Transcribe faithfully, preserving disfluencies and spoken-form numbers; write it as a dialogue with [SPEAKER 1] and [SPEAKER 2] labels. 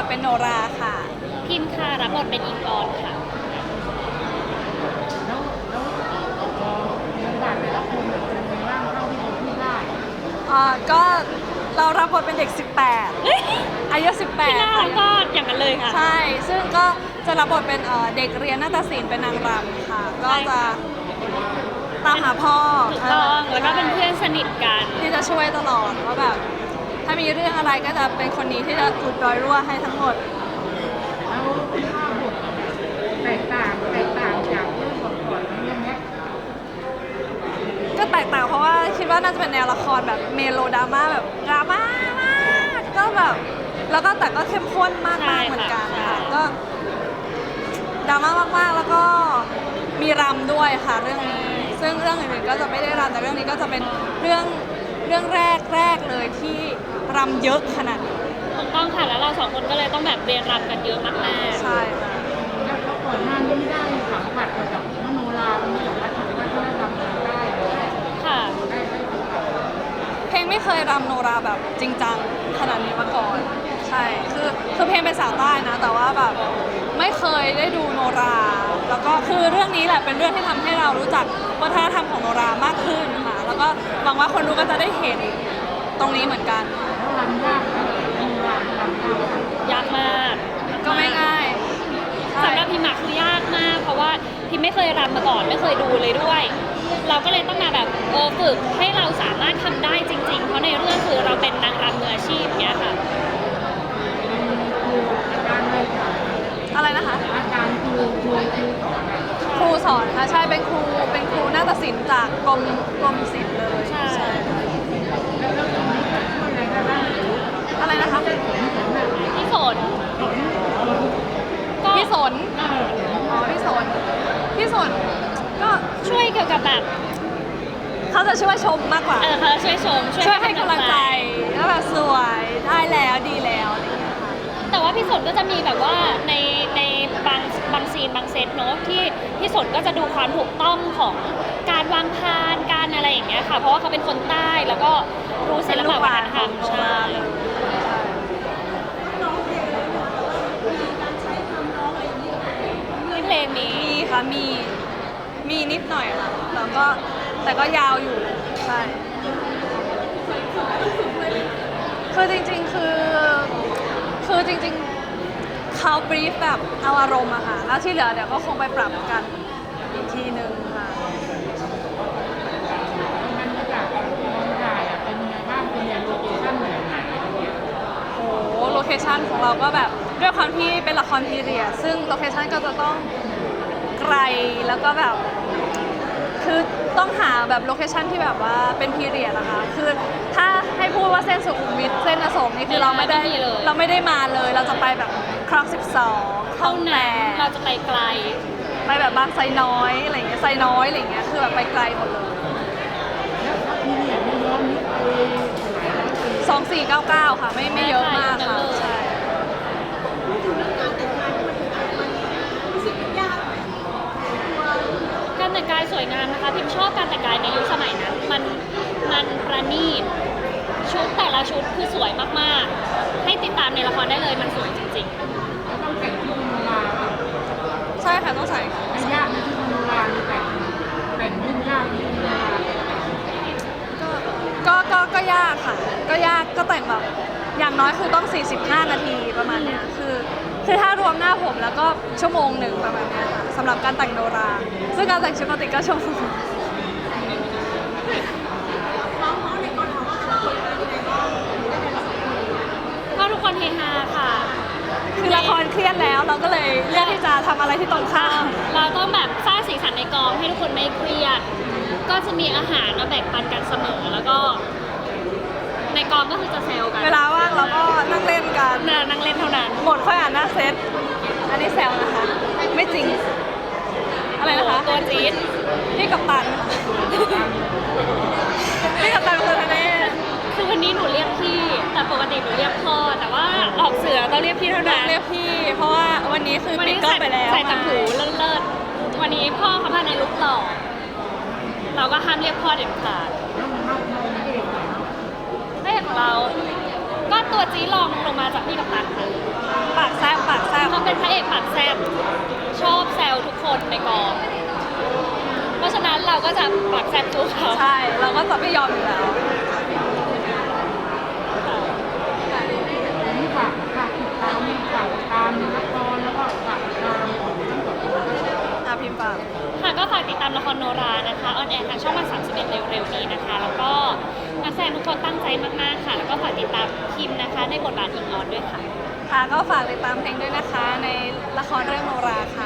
[SPEAKER 1] ทเป็นโนราค่ะ
[SPEAKER 2] พิมพ์ค่ะรับบทเป็นอิงออนค่ะ
[SPEAKER 3] แล้วแล้วพอบทบาทแต่ละคนเป็นยังไงบ้างเท่าที่เราพูดได้
[SPEAKER 1] อ่าก็เรารับบทเป็นเด็กสิบแปดอายุสิบแปด
[SPEAKER 2] ที่หน้าเราก็อย่างนั้นเลยค่ะ
[SPEAKER 1] ใช่ซึ่งก็จะรับบทเป็นเด็กเรียนนาฏศิลป์เป็นนางรำค่ะก็จะตามหาพ่อ
[SPEAKER 2] ถูกต้องแล้วก็เป็นเพื่อนสนิทกัน
[SPEAKER 1] ที่จะช่วยตลอดว่าแบบถ้ามีเรื่องอะไรก็จะเป็นคนนี้ที่จะอุดรอยรั่วให้ทั้งหมด
[SPEAKER 3] แล้วภาพบทแตกต่างแตกต่างจากเรื่องก่อนๆเรื่องนี้
[SPEAKER 1] ก็แตกต่างเพราะว่าคิดว่าน่าจะเป็นแนวละครแบบเมโลดราม่าแบบดราม่ามากก็แบบแล้วก็แต่ก็เข้มข้นมากๆเหมือนกันค่ะก็ดราม่ามากๆแล้วก็มีรำด้วยค่ะเรื่องนี้ซึ่งเรื่องอื่นๆก็จะไม่ได้รำแต่เรื่องนี้ก็จะเป็นเรื่องเรื่องแรกแรกเลยที่รำเยอะขนาดนี้
[SPEAKER 2] ถูกต้องค่ะแล้วเราสองคนก็เลยต้องแบบเรียนรำกันเยอะมาก
[SPEAKER 1] ๆใช่ค่ะ
[SPEAKER 3] แล้วก่อนหน้านี้ได้สัมผัสกับมโนราเป็นแบบว่าถือว่าได้รำได้
[SPEAKER 2] ค่ะ
[SPEAKER 1] เพลงไม่เคยรำโนราแบบจริงจังขนาดนี้มาก่อนใช่คือคือเพลงเป็นสาวใต้นะแต่ว่าแบบไม่เคยได้ดูโนราแล้วก็คือเรื่องนี้แหละเป็นเรื่องที่ทำให้เรารู้จักวัฒนธรรมของโนรามากขึ้นค่ะแล้วก็หวังว่าคนดูก็จะได้เห็นตรงนี้เหมือนกัน
[SPEAKER 3] รำยากนะโนรารำ
[SPEAKER 2] ยากมาก
[SPEAKER 1] ก็ไม่ง่าย
[SPEAKER 2] สำหรับพิมพ์คือยากมากเพราะว่าพิมไม่เคยรำมาก่อนไม่เคยดูเลยด้วยเราก็เลยต้องมาแบบเออฝึกให้เราสามารถทำได้จริงๆเพราะในเรื่องคือเราเป็นนางรำมืออาชีพเนี้ยค่ะ
[SPEAKER 1] อะไรนะคะ
[SPEAKER 3] อาจารย์ครูครูครูสอน
[SPEAKER 1] ครูสอนค่ะใช่เป็นครูเป็นครูนาฏศิลป์จากกรมกรมศิลป์เลย
[SPEAKER 2] ใช่
[SPEAKER 1] อะไรนะคะ
[SPEAKER 2] พี่ฝน
[SPEAKER 1] พี่สนอ๋อพี่สนพี่สนก็
[SPEAKER 2] ช่วยเกี่ยวกับแบบ
[SPEAKER 1] เขาจะช่วยชมมากกว่า
[SPEAKER 2] เออเขาช่วยชม
[SPEAKER 1] ช่วยให้กำลังใจแล้วแบบสวยได้แล้วดีแล้วอะไรอย่างเงี้ยค่ะ
[SPEAKER 2] แต่ว่าพี่สนก็จะมีแบบว่าในในบางบางซีนบางเซตเนอะที่พี่สนก็จะดูความถูกต้องของการวางพานการอะไรอย่างเงี้ยค่ะเพราะว่าเขาเป็นคนใต้แล้วก็รู้ศิลปะวัฒนธรรมใช่เพลงนี้
[SPEAKER 1] ค่ะมีมีนิดหน่อยค่ะแล้วก็แต่ก็ยาวอยู่ใช่คือจริงๆคือคือจริงๆเขาบรีฟแบบเอาอารมณ์อะค่ะแล้วที่เหลือเดี๋ยวก็คงไปปรับกันอีกทีนึงค่ะ
[SPEAKER 3] มันก็จากกองถ่ายอะเป็นยังไงบ้างเป็นอย่างโลเคชั่นแบบไหน
[SPEAKER 1] โอ้โหโลเคชั่นของเราก็แบบด้วยความที่เป็นละครพีเรียดซึ่งโลเคชั่นก็จะต้องไกลแล้วก็แบบคือต้องหาแบบโลเคชั่นที่แบบว่าเป็นพีเรียดนะคะคือถ้าให้พูดว่าเส้นสุขุมวิทเส้นอโศกนี่คือเราไม่ได้เราไม่ได้มาเลยเราจะไปแบบคลองสิบสอง
[SPEAKER 2] เท่านั้นเราจะไปไกล
[SPEAKER 1] ไปแบบบางไซน้อยอะไรเงี้ยไซน้อยอะไรเงี้ยคือแบบไปไกลหมดเลย
[SPEAKER 3] แล้วพีเรียดไม่ย้อนนิดไป
[SPEAKER 1] สองสี่เก้าเก้าค่ะไม่ไม่เยอะมากค่ะใช่
[SPEAKER 2] การแต่งกายสวยงามนะคะพิมชอบการแต่งกายในยุคสมัยนั้นมันมันประณีตชุดแต่ละชุดคือสวยมากๆให้ติดตามในละครได้เลยมันสวยจริง
[SPEAKER 3] ๆแล้วต้องแต่งชุดมโนรา
[SPEAKER 1] ใช่ค่ะต้องใส่
[SPEAKER 3] ยากนะชุดมโนราแต่งแต่งยุ่งยากยุ่งยาก
[SPEAKER 1] ก็ก็ก็ยากค่ะก็ยากก็แต่งแบบอย่างน้อยคือต้องสี่สิบห้านาทีประมาณเนี้ยคือคือถ้ารวมหน้าผมแล้วก็ชั่วโมงหนึ่งประมาณนี้ค่ะสำหรับการแต่งโนราซึ่งการแต่งชุดปกติก็ชั่วโมง
[SPEAKER 2] ก็ทุกคนเฮฮาค่ะ
[SPEAKER 1] คือละครเครียดแล้วเราก็เลยเลือกที่จะทำอะไรที่ตรงข้าม
[SPEAKER 2] เราต้องแบบสร้างสีสันในกองให้ทุกคนไม่เครียดก็จะมีอาหารมาแบ่งปันกันเสมอแล้วก็ในกองก็คือจะแซวกัน
[SPEAKER 1] เวลาว่างเราก็นั่งเล่นกัน
[SPEAKER 2] นั่งเล่นเท่านั้น
[SPEAKER 1] หมดค่อยอ่านหน้าเซตอันนี้แซวนะคะไม่จริงอะไรนะคะ
[SPEAKER 2] ตัวจี๊ด
[SPEAKER 1] พี่กัปตันพี่กัปตันคือทะเล
[SPEAKER 2] คือวันนี้หนูเรียกพี่แต่ปกติหนูเรียกพ่อแต่ว่าออกเสือต้องเรียกพี่เท่านั้น
[SPEAKER 1] เรียกพี่เพราะว่าวันนี้คือปิดกล้องไปแล้ว
[SPEAKER 2] ใส่ต่างหูเลิศๆวันนี้พ่อเขามาในลุคหล่อเราก็ห้ามเรียกพ่อเด็ดขาดไม่เห็นของเราก็ตัวจี๊ดลองลงมาจากพี่กัปตันค่ะ
[SPEAKER 1] ปากแซบปากแซบ
[SPEAKER 2] เขาเป็นพระเอกปากแซบชอบแซวทุกคนในกอง เพราะฉะนั้นเราก็จะปากแซบสู้เขา
[SPEAKER 1] ใช่เราก็จะไม่ยอมอยู่แล้ว
[SPEAKER 3] ผมฝากฝากติดตามฝากตามละครแล้วก็ฝากตามของทั้งสองคน
[SPEAKER 1] อาพิมพ์ปาก
[SPEAKER 2] ค่ะก็ฝากติดตามละครโนรานะคะออนแอร์ทางช่องวันสามสิบเอ็ดเร็วๆนี้นะคะ แล้วก็นักแสดงทุกคนตั้งใจมากๆค่ะ แล้วก็ฝากติดตามคิมนะคะในบทบาทอิงออนด้วยค่ะ
[SPEAKER 1] ค่ะก็ฝากติดตามเพลงด้วยนะคะ ในละครเรื่องโนราค่ะ